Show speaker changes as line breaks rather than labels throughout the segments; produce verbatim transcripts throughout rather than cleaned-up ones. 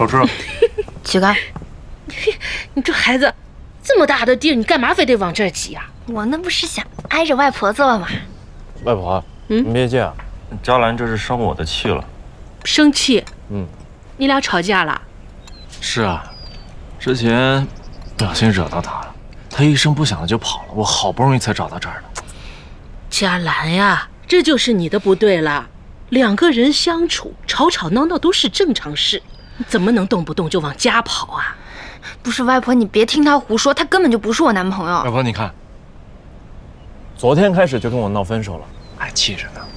好吃。
起开！
你这孩子，这么大的地儿，你干嘛非得往这儿挤呀？
我那不是想挨着外婆坐吗？
外婆，
嗯，
你别介啊，佳兰这是生我的气了。
生气？
嗯，
你俩吵架了？
是啊，之前不小心惹到他了，他一声不响的就跑了，我好不容易才找到这儿的。
佳兰呀，这就是你的不对了。两个人相处，吵吵闹闹都是正常事，怎么能动不动就往家跑啊？
不是外婆，你别听他胡说，他根本就不是我男朋友。
外婆，你看，
昨天开始就跟我闹分手了，
还气着呢。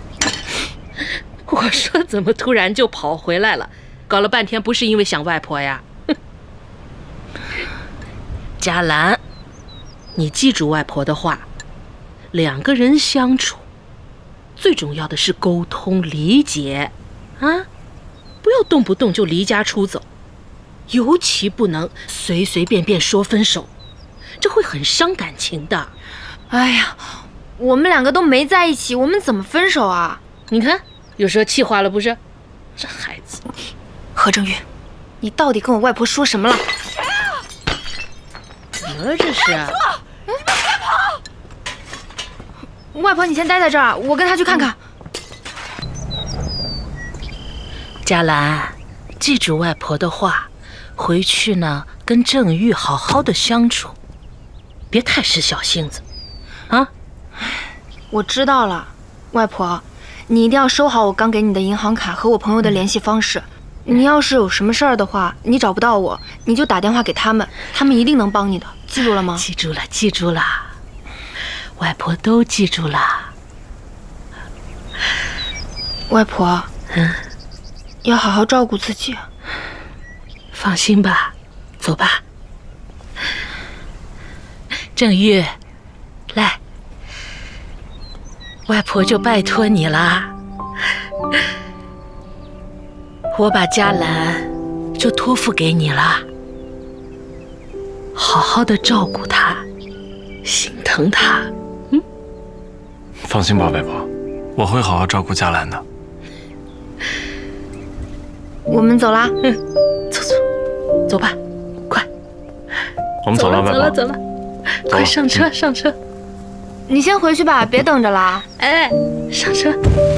我说怎么突然就跑回来了？搞了半天不是因为想外婆呀？佳兰，你记住外婆的话，两个人相处，最重要的是沟通理解，啊，不要动不动就离家出走，尤其不能随随便便说分手，这会很伤感情的。
哎呀，我们两个都没在一起，我们怎么分手啊？
你看，有时候气话了不是？这孩子，
何正玉，你到底跟我外婆说什么了？
怎么了这是？
外婆，你先待在这儿，我跟她去看看。
佳兰，记住外婆的话，回去呢跟郑玉好好的相处，别太使小性子，啊！
我知道了，外婆，你一定要收好我刚给你的银行卡和我朋友的联系方式。你要是有什么事儿的话，你找不到我，你就打电话给他们，他们一定能帮你的，记住了吗？
记住了，记住了，外婆都记住了。
外婆，
嗯，
要好好照顾自己。
放心吧，走吧。郑玉，来，外婆就拜托你了。我把佳兰就托付给你了，好好的照顾她，心疼她。嗯，
放心吧，外婆，我会好好照顾佳兰的。
我们走啦。
嗯，走走，走吧，快。
我们走了，外婆。
走了，走了，快上车，嗯、上车。
你先回去吧，别等着了。
哎，上车。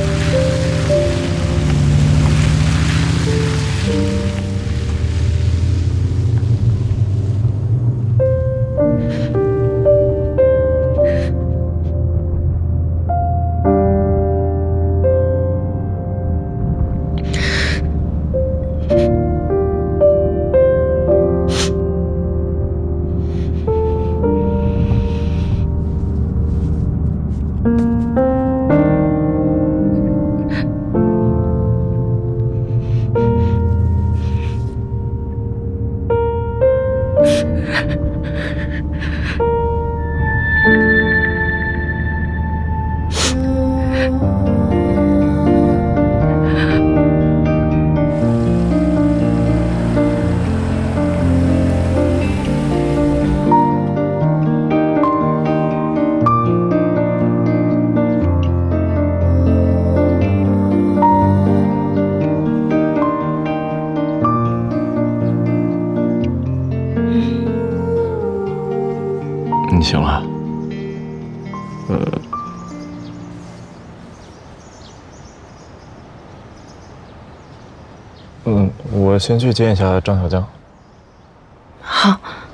你醒了？呃，
嗯，我先去见一下张小江。
好。